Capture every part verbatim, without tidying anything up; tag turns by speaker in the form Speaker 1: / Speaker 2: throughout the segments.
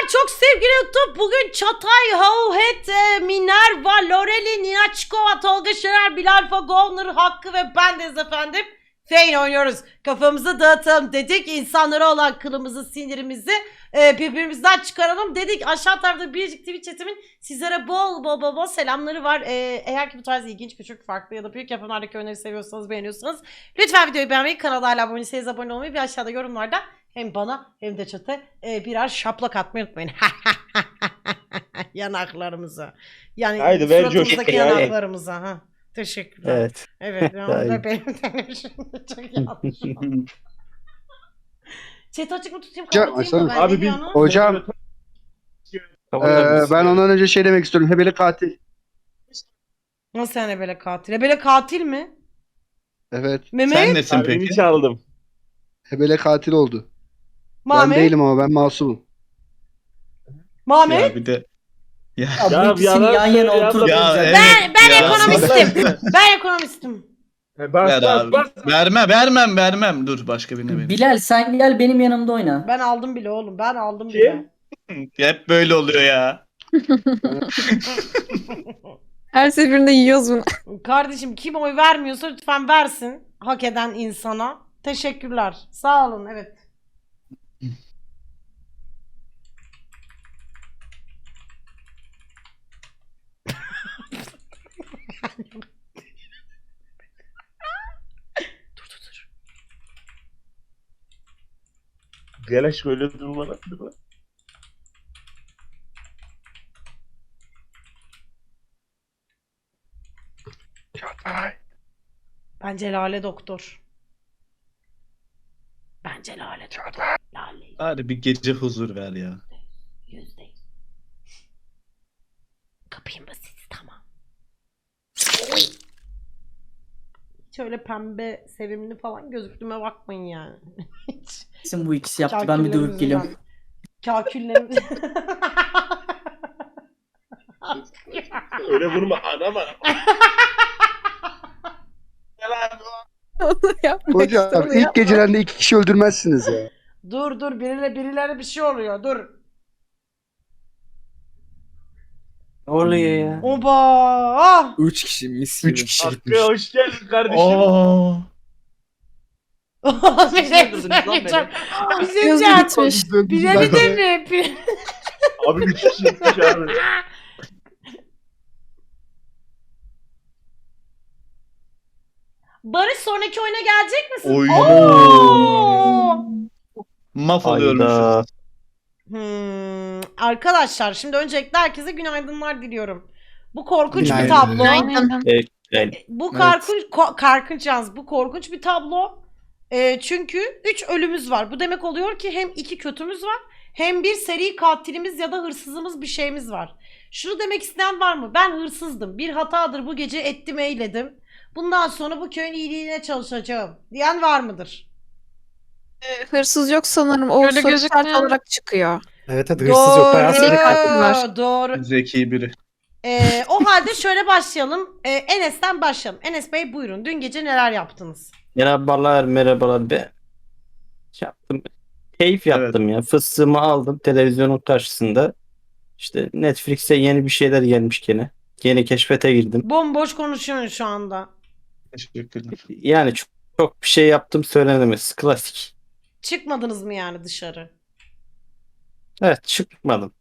Speaker 1: çok sevgili YouTube. Bugün Çatay, Hauhet, e, Minerva, Loreli, Ninaçkova, Tolga Şener, Bilal Fagovner, Hakkı ve bendeyiz efendim. Feyn oynuyoruz. Kafamızı dağıtalım dedik. İnsanlara olan kılımızı, sinirimizi e, birbirimizden çıkaralım dedik. Aşağı tarafta Biricik T V chatimin sizlere bol bol bol bol selamları var. E, eğer ki bu tarz ilginç, küçük, farklı ya da büyük yapımlardaki oyunları seviyorsanız, beğeniyorsanız lütfen videoyu beğenmeyi, kanala hala abone değilseniz abone olmayı ve aşağıda yorumlarda hem bana hem de chat'e e, birer şaplak atmayı unutmayın. Yanaklarımıza. Yani
Speaker 2: Haydi ver
Speaker 1: suratımızdaki
Speaker 2: coşku ya.
Speaker 1: yanaklarımıza. Ha. Teşekkürler.
Speaker 3: Evet.
Speaker 1: Evet. Ben
Speaker 3: Hayır.
Speaker 1: da benim şimdi çok yanlış oldu. Chat açık mı tutayım?
Speaker 4: Hocam,
Speaker 1: Kapatayım mı ben?
Speaker 2: Abi
Speaker 1: Ne
Speaker 2: biz-
Speaker 1: diyorsun?
Speaker 4: Hocam eee, ben ondan önce şey demek istiyorum. Hebele katil.
Speaker 1: Nasıl yani böyle katil? Ebele katil mi?
Speaker 4: Evet.
Speaker 1: Mehmet?
Speaker 5: Sen nesin
Speaker 2: Kalbimi
Speaker 5: peki?
Speaker 2: çaldım.
Speaker 4: Hebele katil oldu.
Speaker 1: Mahmet?
Speaker 4: Ben değilim ama ben masumum.
Speaker 1: Mahmet?
Speaker 5: Ya bir de ya,
Speaker 2: Ya
Speaker 6: bu ikisini
Speaker 2: yalan
Speaker 6: yan yana
Speaker 2: söyle ya,
Speaker 6: oturmayacak.
Speaker 5: ya evet.
Speaker 1: Ben, ben
Speaker 5: Ya,
Speaker 1: ekonomistim. Ben ekonomistim.
Speaker 2: He, Bas
Speaker 5: Ver
Speaker 2: bas
Speaker 5: abi.
Speaker 2: bas.
Speaker 5: Vermem, vermem, vermem. Dur başka birine vereyim.
Speaker 6: Bilal sen gel benim yanımda oyna.
Speaker 1: Ben aldım bile oğlum. Ben aldım
Speaker 2: Kim?
Speaker 1: bile.
Speaker 5: Hep böyle oluyor ya.
Speaker 7: Her seferinde yiyoruz bunu.
Speaker 1: Kardeşim kim oy vermiyorsa lütfen versin. Hak eden insana. Teşekkürler. Sağ olun. Evet. Dur dur dur.
Speaker 2: Gel şöyle durma lan. durma.
Speaker 4: Çatay.
Speaker 1: Bence Lale doktor. Bence Lale doktor.
Speaker 4: Çatay.
Speaker 1: Lale.
Speaker 5: Bari bir gece huzur ver ya.
Speaker 1: Yüzde yüz. Kapayım basit. Tamam. Hiç öyle pembe, sevimli falan gözüktüğüme bakmayın yani. Hiç.
Speaker 6: Kesin bu ikisi yaptı. Ben bir dövüp geliyorum.
Speaker 1: Kaküllerimiz.
Speaker 2: Öyle vurma anam anam. Gel abi.
Speaker 7: Onu yapmak
Speaker 4: Hocam
Speaker 7: istiyorum
Speaker 4: ilk
Speaker 7: ya.
Speaker 4: gecelerinde iki kişi öldürmezsiniz ya.
Speaker 1: Dur dur birileri birileri bir şey oluyor dur.
Speaker 6: Ne oluyor ya?
Speaker 1: Oba! Ah!
Speaker 3: Üç kişi mis gibi.
Speaker 5: Üç kişi
Speaker 2: Hakkı
Speaker 5: gitmiş.
Speaker 2: hoş geldin kardeşim.
Speaker 5: Oo.
Speaker 1: bir şey söyleyeceğim. Bir şey
Speaker 7: Gözü
Speaker 1: diyeceğim.
Speaker 7: gitmiş.
Speaker 1: Bilemedin mi? Bir-
Speaker 2: Abi üç kişi gitmiş abi.
Speaker 1: Barış sonraki oyuna gelecek misin?
Speaker 5: Oy.
Speaker 1: Oo!
Speaker 5: Maf
Speaker 3: Hayda.
Speaker 5: oluyormuşuz.
Speaker 1: Hmm, arkadaşlar şimdi öncelikle herkese günaydınlar diliyorum. Bu korkunç bir
Speaker 3: Günaydın.
Speaker 1: tablo.
Speaker 7: Aynen.
Speaker 3: Evet.
Speaker 1: Bu
Speaker 3: Evet.
Speaker 1: korkunç ko- korkunç yalnız bu korkunç bir tablo. Ee, çünkü üç ölümüz var. Bu demek oluyor ki hem iki kötümüz var hem bir seri katilimiz ya da hırsızımız bir şeyimiz var. Şunu demek isteyen var mı? Ben hırsızdım. Bir hatadır bu gece ettim eyledim. Bundan sonra bu köyün iyiliğine çalışacağım diyen var mıdır?
Speaker 7: Hırsız yok sanırım. O
Speaker 8: Öyle
Speaker 7: soru
Speaker 8: gözükmüyor.
Speaker 7: işareti olarak çıkıyor.
Speaker 3: Evet hadi hırsız yok. Bayağı
Speaker 7: Seri katil
Speaker 1: Doğru.
Speaker 7: var.
Speaker 1: Doğru.
Speaker 5: Zeki biri.
Speaker 1: Ee, o halde şöyle başlayalım. Ee, Enes'ten başlayalım. Enes Bey buyurun. Dün gece neler yaptınız?
Speaker 3: Merhabalar merhabalar be. Şey yaptım. Keyif yaptım ya. Fıstığımı aldım televizyonun karşısında. İşte Netflix'e yeni bir şeyler gelmiş gene. Yeni keşfete girdim.
Speaker 1: Bomboş konuşuyorsun şu anda.
Speaker 5: Teşekkürler.
Speaker 3: Yani çok, çok bir şey yaptım söylenemez. Klasik.
Speaker 1: Çıkmadınız mı yani dışarı?
Speaker 3: Evet çıkmadım.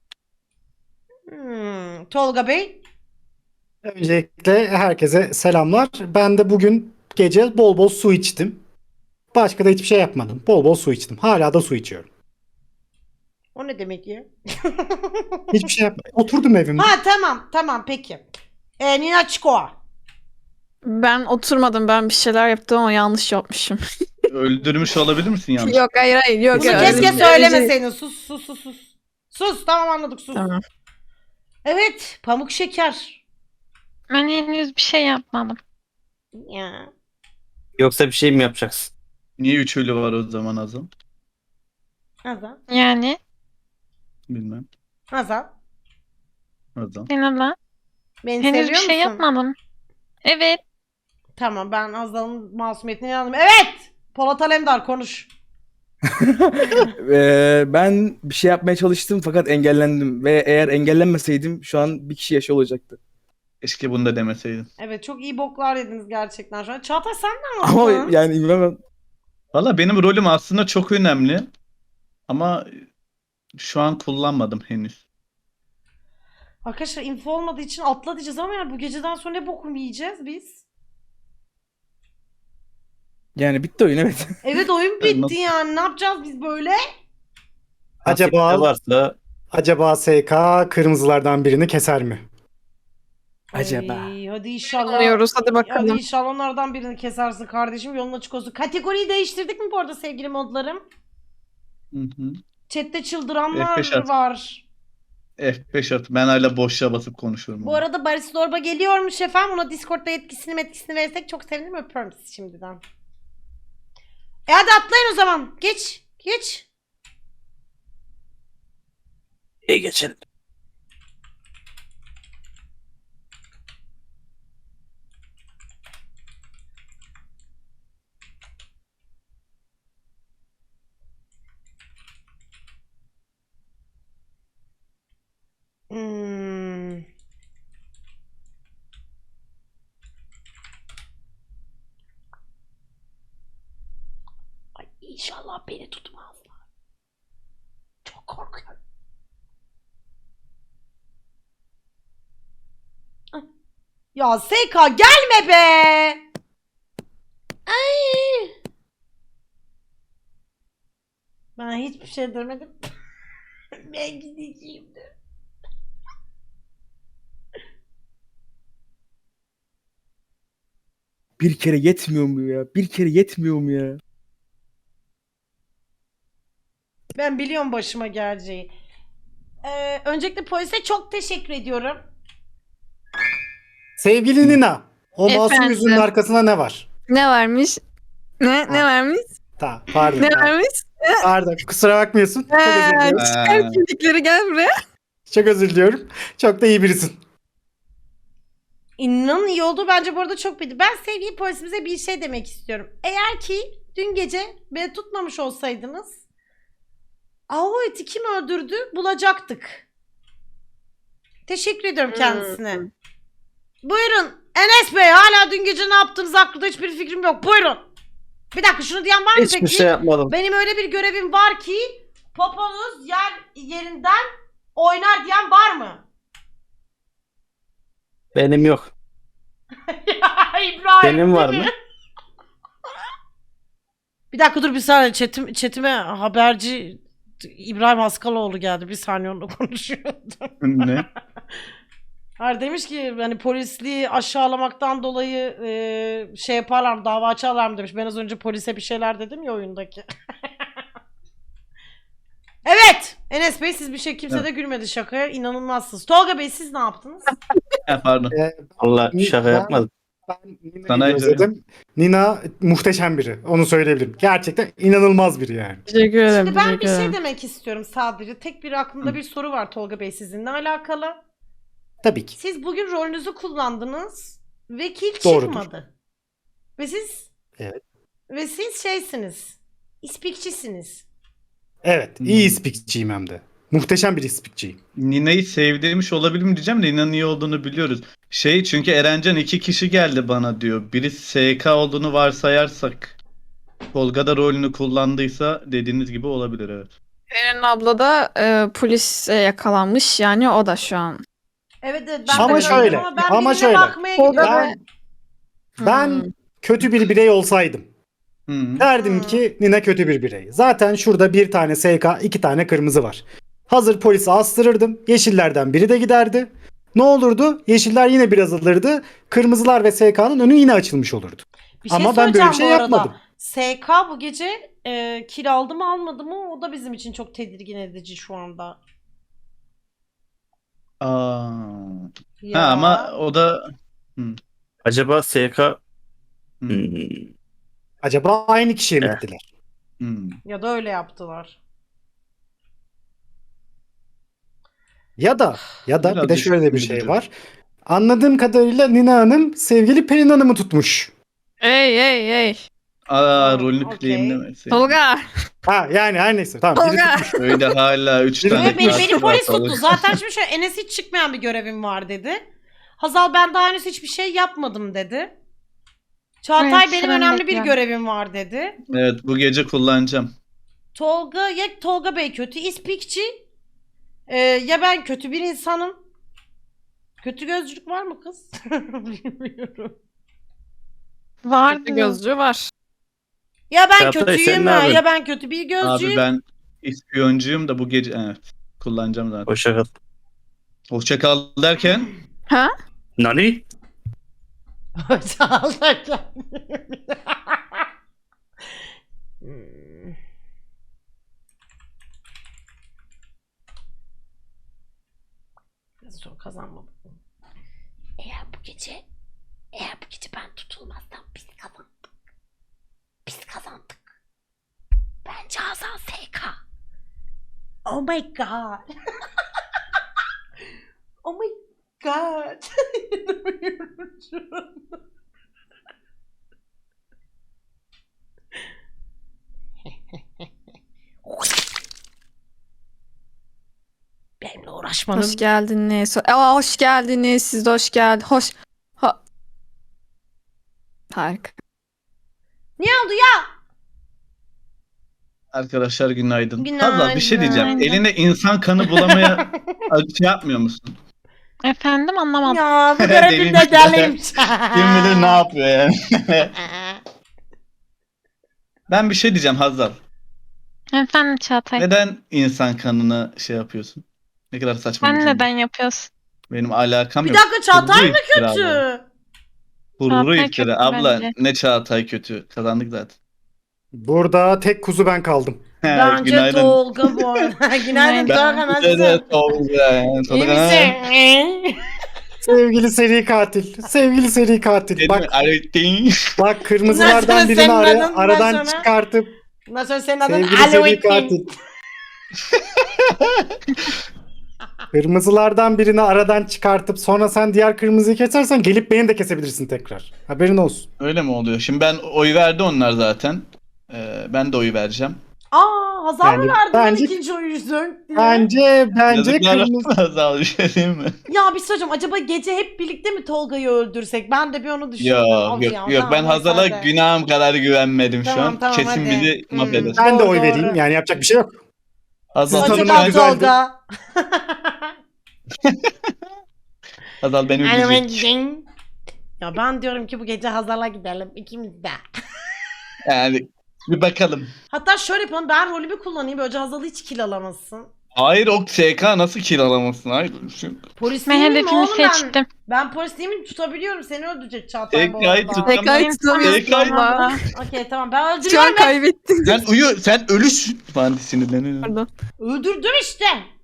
Speaker 1: Hmm, Tolga Bey?
Speaker 9: Öncelikle herkese selamlar. Ben de bugün gece bol bol su içtim. Başka da hiçbir şey yapmadım. Bol bol su içtim. Hala da su içiyorum.
Speaker 1: O ne demek ya?
Speaker 9: Hiçbir şey yapmadım. Oturdum evimde.
Speaker 1: Ha tamam tamam peki. Ee, Nina Çikoa.
Speaker 7: Ben oturmadım. Ben bir şeyler yaptım ama yanlış yapmışım.
Speaker 5: Öldürmüş olabilir misin yanlış?
Speaker 7: Yok hayır hayır. Yok,
Speaker 1: Bunu
Speaker 7: yok,
Speaker 1: keşke
Speaker 7: öyle değil.
Speaker 1: söylemeseydin. Sus sus sus sus. Sus tamam anladık sus.
Speaker 7: Tamam.
Speaker 1: Evet pamuk şeker.
Speaker 8: Ben henüz bir şey yapmadım.
Speaker 1: Ya.
Speaker 3: Yoksa bir şey mi yapacaksın?
Speaker 5: Niye üç ölü var o zaman Azam?
Speaker 1: Hazal.
Speaker 8: Yani
Speaker 5: Bilmem.
Speaker 1: Hazal.
Speaker 5: Azam.
Speaker 8: Sinan'la
Speaker 1: Beni
Speaker 8: henüz
Speaker 1: seviyor
Speaker 8: bir şey
Speaker 1: musun?
Speaker 8: yapmadım. Evet.
Speaker 1: Tamam ben Hazal'ın masumiyetine inandım. Evet. Polat Alemdar konuş.
Speaker 10: Ee, ben bir şey yapmaya çalıştım fakat engellendim. Ve eğer engellenmeseydim şu an bir kişi yaşıyor olacaktı.
Speaker 5: Keşke bunu da demeseydin.
Speaker 1: Evet çok iyi boklar yediniz gerçekten şu an. Çağatay sen ne
Speaker 10: Ama
Speaker 1: yaptın?
Speaker 10: yani bilmem.
Speaker 5: Valla benim rolüm aslında çok önemli. Ama şu an kullanmadım henüz.
Speaker 1: Arkadaşlar info olmadığı için atla diyeceğiz ama yani bu geceden sonra ne bokum yiyeceğiz biz?
Speaker 10: Yani bitti oyun evet.
Speaker 1: Evet oyun bitti
Speaker 5: Nasıl?
Speaker 1: yani ne yapacağız biz böyle?
Speaker 9: Acaba
Speaker 3: Nasipte varsa
Speaker 9: acaba S K kırmızılardan birini keser mi?
Speaker 10: Acaba.
Speaker 1: Ay, hadi inşallah.
Speaker 7: Anlıyoruz hadi
Speaker 1: Hadi
Speaker 7: bakalım.
Speaker 1: inşallah onlardan birini kesersin kardeşim. Yolun açık olsun. Kategoriyi değiştirdik mi bu arada sevgili modlarım?
Speaker 5: Hı hı.
Speaker 1: Chat'te çıldıranlar
Speaker 5: F beş at.
Speaker 1: var.
Speaker 5: F beş at. Ben hala boşluğa basıp konuşuyorum.
Speaker 1: Bu arada Barış Zorba geliyormuş efendim. Ona Discord'da yetkisini etkisini verirsek çok sevinirim. Öpüyorum sizi şimdiden. E hadi atlayın o zaman. Geç. Geç.
Speaker 3: iyi geçelim.
Speaker 1: Hmm. Ay inşallah beni tutmazlar. Çok korkuyorum. Ay. Ya S K gelme be. Ay. Ben hiçbir şey demedim. Ben gideceğim de.
Speaker 10: Bir kere yetmiyor mu ya? Bir kere yetmiyor mu ya?
Speaker 1: Ben biliyorum başıma geleceği. Ee, öncelikle polise çok teşekkür ediyorum.
Speaker 9: Sevgili Nina, o masum
Speaker 7: Efendim?
Speaker 9: yüzünün arkasında ne var?
Speaker 7: Ne varmış? Ne ne
Speaker 9: Ha.
Speaker 7: varmış?
Speaker 9: Tamam, pardon.
Speaker 7: Ne
Speaker 9: pardon.
Speaker 7: varmış?
Speaker 9: Pardon, kusura bakmıyorsun. Çok özür
Speaker 7: Ee,
Speaker 9: diliyorum.
Speaker 7: çıkar
Speaker 5: Ha.
Speaker 7: kimlikleri gel buraya.
Speaker 9: Çok özür diliyorum. Çok da iyi birisin.
Speaker 1: İnanın iyi oldu. Bence bu arada çok bildi. Ben sevgili polisimize bir şey demek istiyorum. Eğer ki dün gece beni tutmamış olsaydınız o eti kim öldürdü bulacaktık. Teşekkür ediyorum kendisine. Buyurun. Enes Bey hala dün gece ne yaptığınız hakkında hiçbir fikrim yok. Buyurun. Bir dakika şunu diyen var mı
Speaker 3: Hiçbir
Speaker 1: peki?
Speaker 3: şey yapmadım.
Speaker 1: Benim öyle bir görevim var ki poponuz yer yerinden oynar diyen var mı?
Speaker 3: Benim yok.
Speaker 1: Ya İbrahim
Speaker 3: Senin var
Speaker 1: değil
Speaker 3: mı?
Speaker 1: mi? Bir dakika dur bir saniye chatim, chatime haberci İbrahim Askaloğlu geldi. Bir saniye onunla konuşuyordum.
Speaker 5: Ne?
Speaker 1: Hayır demiş ki hani polisliği aşağılamaktan dolayı e, şey yaparlar mı, dava açarlar mı demiş. Ben az önce polise bir şeyler dedim ya oyundaki. Evet. Enes Bey siz bir şey kimse de gülmedi şakaya. İnanılmazsınız. Tolga Bey siz ne yaptınız?
Speaker 5: Ha, pardon.
Speaker 9: Ee,
Speaker 3: Allah şaka
Speaker 9: Ben-
Speaker 3: yapmadım.
Speaker 9: Ben Nina'yı
Speaker 5: Sana
Speaker 9: özledim. Nina muhteşem biri. Onu söyleyebilirim. Gerçekten inanılmaz biri yani.
Speaker 7: Teşekkür ederim.
Speaker 1: Şimdi ben
Speaker 7: teşekkür
Speaker 1: bir şey
Speaker 7: ederim.
Speaker 1: demek istiyorum sadece. Tek bir aklımda bir soru var Tolga Bey sizinle alakalı.
Speaker 9: Tabii ki.
Speaker 1: Siz bugün rolünüzü kullandınız ve kil
Speaker 9: Doğrudur.
Speaker 1: çıkmadı. Ve siz
Speaker 9: Evet.
Speaker 1: ve siz şeysiniz. İspikçisiniz.
Speaker 9: Evet.
Speaker 5: Hmm.
Speaker 9: iyi ispikçiyim hem de. Muhteşem bir ispikçiyim.
Speaker 5: Nina'yı sevdirmiş olabilir mi diyeceğim de Nina'nın iyi olduğunu biliyoruz. Şey çünkü Erencan iki kişi geldi bana diyor. Biri S K olduğunu varsayarsak Tolga da rolünü kullandıysa dediğiniz gibi olabilir evet.
Speaker 7: Eren abla da e, polise yakalanmış yani o da şu an.
Speaker 1: Evet evet ben
Speaker 9: Ama
Speaker 1: de
Speaker 9: şöyle,
Speaker 1: gördüm ama ben
Speaker 9: ama
Speaker 1: birine
Speaker 9: şöyle.
Speaker 1: bakmaya
Speaker 7: Tolga
Speaker 1: gidiyorum.
Speaker 9: Ben, ben
Speaker 7: Hmm.
Speaker 9: kötü bir birey olsaydım
Speaker 5: Hı.
Speaker 9: derdim
Speaker 1: Hmm.
Speaker 9: ki Nina kötü bir birey. Zaten şurada bir tane S K, iki tane kırmızı var. Hazır polisi astırırdım. Yeşillerden biri de giderdi. Ne olurdu? Yeşiller yine biraz alırdı. Kırmızılar ve S K'nın önü yine açılmış olurdu.
Speaker 1: Bir şey
Speaker 9: Ama ben böyle bir
Speaker 1: söyleyeceğim
Speaker 9: şey
Speaker 1: bu arada.
Speaker 9: yapmadım.
Speaker 1: S K bu gece e, kil aldı mı almadı mı o da bizim için çok tedirgin edici şu anda.
Speaker 5: Aa.
Speaker 1: Ya.
Speaker 5: Ha ama o da
Speaker 3: Acaba S K
Speaker 5: Hı.
Speaker 3: Hmm,
Speaker 9: Acaba aynı kişiye mi
Speaker 3: Eh.
Speaker 9: gittiler?
Speaker 5: Hmm.
Speaker 1: Ya da öyle yaptılar.
Speaker 9: Ya da ya da
Speaker 5: Biraz
Speaker 9: bir de şöyle bir
Speaker 5: düşündürücü.
Speaker 9: şey var. Anladığım kadarıyla Nina Hanım sevgili Pelin Hanım'ı tutmuş.
Speaker 7: Ey ey ey.
Speaker 5: Aa rolünü
Speaker 1: okey.
Speaker 5: claimlemesin.
Speaker 7: Tolga.
Speaker 9: Ha yani her neyse tamam. Biri
Speaker 7: Tolga.
Speaker 9: tutmuş.
Speaker 5: Öyle hala üç
Speaker 9: Biri-
Speaker 5: tane.
Speaker 1: Ve beni,
Speaker 5: katil
Speaker 1: beni
Speaker 5: var
Speaker 1: polis
Speaker 5: Tolga.
Speaker 1: tuttu. Zaten şimdi şöyle Enes hiç çıkmayan bir görevim var dedi. Hazal ben daha henüz hiçbir şey yapmadım dedi. Çağatay
Speaker 8: Evet,
Speaker 1: benim
Speaker 8: sıramı
Speaker 1: önemli bir
Speaker 8: bekliyorum.
Speaker 1: görevim var dedi.
Speaker 5: Evet bu gece kullanacağım.
Speaker 1: Tolga ya Tolga Bey kötü ispikçi ee, ya ben kötü bir insanım. Kötü gözcülük var mı kız? Bilmiyorum.
Speaker 8: Vardı.
Speaker 7: Kötü gözcü var.
Speaker 1: Ya ben
Speaker 3: Çağatay,
Speaker 1: kötüyüm
Speaker 3: sen ne
Speaker 1: ya,
Speaker 3: yapıyorsun?
Speaker 1: ya ben kötü bir
Speaker 5: Abi
Speaker 1: gözcüyüm.
Speaker 5: ben ispiyoncuyum da bu gece evet kullanacağım zaten.
Speaker 3: Hoşça kal.
Speaker 5: Hoşça kal derken
Speaker 7: Ha?
Speaker 3: Nani?
Speaker 1: Sağ ol hocam. Hmm. Biraz zor kazanmadım. Eğer bu gece eğer bu gece ben tutulmazsam biz kazandık. Biz kazandık. Bence Hazal S K. Oh my god. Oh my god. İnanamıyorum şu an. Benimle uğraşmanın.
Speaker 7: Hoş geldiniz. Aa, hoş geldiniz. Siz de hoş geldiniz. Hoş. Ha. Harika.
Speaker 1: Niye oldu ya?
Speaker 5: arkadaşlar günaydın.
Speaker 1: Günaydın.
Speaker 5: Hazal bir şey diyeceğim.
Speaker 8: Günaydın.
Speaker 5: Eline insan kanı bulamaya şey yapmıyor musun?
Speaker 8: Efendim anlamadım.
Speaker 1: Ya bu
Speaker 5: Deliymiş.
Speaker 1: görevim de deliymiş.
Speaker 5: Kim bilir ne yapıyor yani. Ben bir şey diyeceğim Hazal.
Speaker 8: Efendim Çağatay.
Speaker 5: Neden insan kanını şey yapıyorsun? Ne kadar saçma bir
Speaker 8: Sen
Speaker 5: cümle.
Speaker 8: neden yapıyorsun?
Speaker 5: Benim alakam
Speaker 1: Bir
Speaker 5: yok.
Speaker 1: dakika Çağatay
Speaker 5: Gururu
Speaker 1: mı
Speaker 5: iftira bu.
Speaker 1: kötü?
Speaker 5: Gururu
Speaker 8: Çağatay
Speaker 5: iftira.
Speaker 8: kötü
Speaker 5: Abla
Speaker 8: bence.
Speaker 5: ne Çağatay kötü. Kazandık zaten.
Speaker 9: Burada tek kuzu ben kaldım.
Speaker 1: Bence
Speaker 5: Günaydın.
Speaker 1: Tolga bu arada. Günaydın Tolga nasılsın?
Speaker 5: Evet, Tolga.
Speaker 1: İyi
Speaker 5: Tolga.
Speaker 1: misin?
Speaker 9: Sevgili seri katil. Sevgili seri katil.
Speaker 5: Dedim,
Speaker 9: Bak
Speaker 5: arayın.
Speaker 9: bak
Speaker 1: Bundan
Speaker 9: kırmızılardan
Speaker 1: sonra
Speaker 9: birini
Speaker 1: senin
Speaker 9: ara-
Speaker 1: adın, bundan
Speaker 9: aradan
Speaker 1: sonra-
Speaker 9: çıkartıp
Speaker 1: Bundan sonra senin adın
Speaker 9: sevgili seri
Speaker 1: Aluettin.
Speaker 9: katil. Kırmızılardan birini aradan çıkartıp sonra sen diğer kırmızıyı kesersen gelip beni de kesebilirsin tekrar. Haberin olsun.
Speaker 5: Öyle mi oluyor? Şimdi ben oy verdi onlar zaten. Ee, ben de oy vereceğim.
Speaker 1: Aa Hazal mı
Speaker 9: Yani
Speaker 1: verdi lan
Speaker 9: bence-
Speaker 1: ikinci oyuncu?
Speaker 9: Bence bence
Speaker 5: Yazıklar
Speaker 9: kırmızı.
Speaker 5: olsun Hazal bir şey diyeyim mi?
Speaker 1: Ya bir şey söyleyeceğim. Acaba gece hep birlikte mi Tolga'yı öldürsek? Ben de bir onu düşündüm.
Speaker 5: Yok
Speaker 1: Of
Speaker 5: yok
Speaker 1: ya,
Speaker 5: yok
Speaker 1: tamam,
Speaker 5: ben
Speaker 1: neyse,
Speaker 5: Hazal'a
Speaker 1: hadi.
Speaker 5: günahım kadar güvenmedim şu
Speaker 1: Tamam,
Speaker 5: an.
Speaker 1: tamam,
Speaker 5: Kesin
Speaker 1: hadi.
Speaker 5: bizi
Speaker 1: Hmm.
Speaker 5: mahveder.
Speaker 9: Ben de
Speaker 1: Doğru,
Speaker 9: oy
Speaker 1: doğru.
Speaker 9: vereyim. Yani yapacak bir şey yok.
Speaker 5: Hazal,
Speaker 9: Siz
Speaker 1: Hoşça
Speaker 9: tanımlar
Speaker 1: kal
Speaker 9: güzeldi.
Speaker 1: Tolga.
Speaker 5: Hazal beni üzecek.
Speaker 1: Ya ben diyorum ki bu gece Hazal'a gidelim ikimiz de.
Speaker 5: Yani bir bakalım.
Speaker 1: Hatta şöyle yapalım, ben rolümü kullanayım, böylece Hazal hiç kill alamasın.
Speaker 5: Hayır o S K nasıl kill alamazsın? Hayır. Şu-
Speaker 1: Polis
Speaker 8: Ben
Speaker 1: değil miyim
Speaker 8: hedefimi
Speaker 1: oğlum ben?
Speaker 8: seçtim.
Speaker 1: Ben polis değil miyim? Tutabiliyorum, seni öldürecek Çağatay bu
Speaker 5: T K'yı
Speaker 1: arada.
Speaker 5: tut-
Speaker 7: Tekrar tutamıyorsun
Speaker 5: Tekrar-
Speaker 7: ama.
Speaker 1: Okey tamam, ben
Speaker 7: Şu an
Speaker 1: öldürüyorum. Ben...
Speaker 7: kaybettin.
Speaker 5: Sen uyu, sen ölüsün. Falan sinirleniyorum.
Speaker 7: Pardon.
Speaker 1: Öldürdüm işte.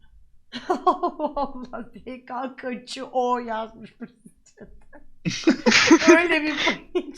Speaker 1: Allah T K kaçı o yazmış. Öyle bir panik.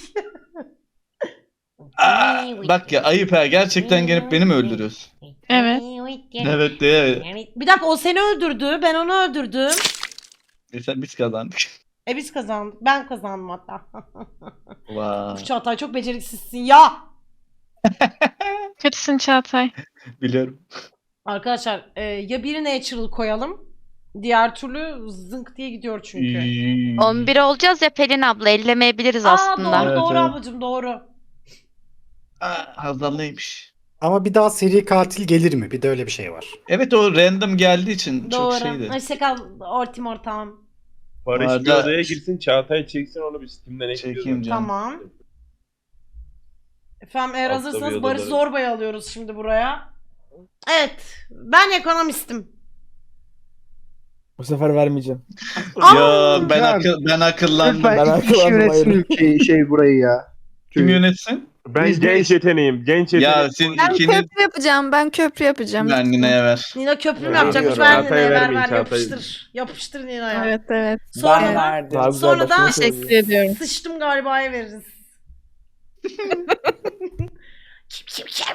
Speaker 5: Aa, bak ya ayıp ha. Gerçekten gelip beni mi öldürüyorsun?
Speaker 8: Evet.
Speaker 5: Evet evet.
Speaker 1: Bir dakika, o seni öldürdü, ben onu öldürdüm.
Speaker 5: E sen biz kazandık.
Speaker 1: E biz kazandık. Ben kazandım hatta.
Speaker 5: Vay.
Speaker 1: Çağatay çok beceriksizsin ya.
Speaker 8: Kötüsün Çağatay.
Speaker 5: Biliyorum.
Speaker 1: Arkadaşlar e, ya biri natural koyalım. Diğer türlü zınk diye gidiyor çünkü.
Speaker 11: on bir olacağız ya Pelin abla ellemeyebiliriz
Speaker 1: Aa
Speaker 11: aslında.
Speaker 1: doğru
Speaker 5: Evet,
Speaker 1: doğru
Speaker 5: evet.
Speaker 1: ablacığım doğru.
Speaker 5: Aa, Hazal neymiş?
Speaker 9: Ama bir daha seri katil gelir mi? Bir de öyle bir şey var.
Speaker 5: Evet o random geldiği için
Speaker 1: Doğru.
Speaker 5: çok şeydi.
Speaker 1: Hoşçakal ortim ortağım.
Speaker 2: Barış bir
Speaker 5: Arada-
Speaker 2: odaya girsin, Çağatay çeksin, onu bir Steam'den ekliyoruz.
Speaker 5: Çekeyim canım.
Speaker 1: Tamam. Efendim eğer
Speaker 2: Altta
Speaker 1: hazırsanız
Speaker 2: bir
Speaker 1: Barış
Speaker 2: odaları.
Speaker 1: Zorba'yı alıyoruz şimdi buraya. Evet. Ben ekonomistim.
Speaker 10: Bu sefer vermeyeceğim.
Speaker 5: Ya ben
Speaker 4: Ya,
Speaker 5: akıl ben akıllandım.
Speaker 10: Ben
Speaker 4: Lütfen iki kişi
Speaker 10: akıllandım,
Speaker 4: yönetsin
Speaker 10: hayır.
Speaker 4: ülkeyi, şey burayı ya.
Speaker 5: Kim yönetsin?
Speaker 2: Ben
Speaker 4: Biz
Speaker 2: genç
Speaker 4: neyiz?
Speaker 2: yeteneğim, genç
Speaker 5: Ya
Speaker 2: yeteneğim.
Speaker 5: siz
Speaker 7: Ben
Speaker 5: ikiniz
Speaker 7: köprü yapacağım. Ben köprü yapacağım.
Speaker 5: ben Nina'ya ver.
Speaker 1: Nina köprü mü
Speaker 2: Evet,
Speaker 1: yapacakmış?
Speaker 2: biliyorum.
Speaker 1: Ver
Speaker 2: Çağatay'a
Speaker 1: Nina'ya ver
Speaker 2: vermeyin,
Speaker 1: ver
Speaker 2: Çağatay.
Speaker 1: yapıştır. Yapıştır Nina'ya.
Speaker 7: Evet evet.
Speaker 1: Sonra,
Speaker 10: Daha güzel
Speaker 1: sonra
Speaker 10: başka
Speaker 1: da
Speaker 10: bir şey
Speaker 7: Teşekkür ediyorum.
Speaker 1: sıçtım galiba'ya veririz. Kim kim kim?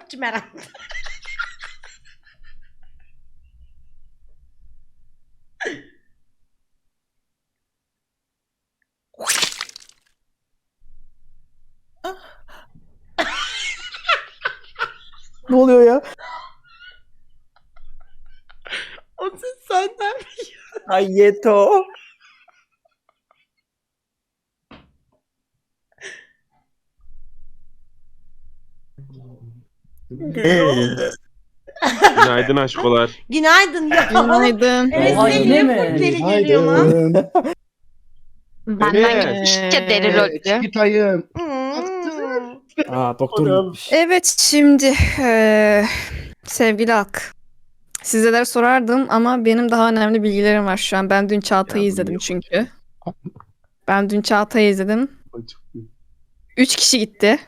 Speaker 1: Cimerem.
Speaker 10: Ne oluyor ya?
Speaker 1: O ses senden mi?
Speaker 10: Ay yeto.
Speaker 2: Günaydın aşkolar.
Speaker 1: Günaydın ya.
Speaker 7: Günaydın.
Speaker 1: Evet,
Speaker 6: Oha,
Speaker 1: senin
Speaker 6: yine
Speaker 1: niye
Speaker 6: mi?
Speaker 1: bu deli geliyor lan?
Speaker 4: Günaydın.
Speaker 11: Benden
Speaker 2: Evet.
Speaker 11: gitmiş ya deri rollü.
Speaker 4: Çikitayım.
Speaker 1: Hmm.
Speaker 10: Aa doktor gitmiş.
Speaker 7: Evet şimdi eee, sevgili Ak. Sizlere sorardım ama benim daha önemli bilgilerim var şu an. Ben dün Çağatay'ı
Speaker 2: Ya,
Speaker 7: izledim
Speaker 2: niye
Speaker 7: çünkü. Ben dün Çağatay'ı izledim. Üç kişi gitti.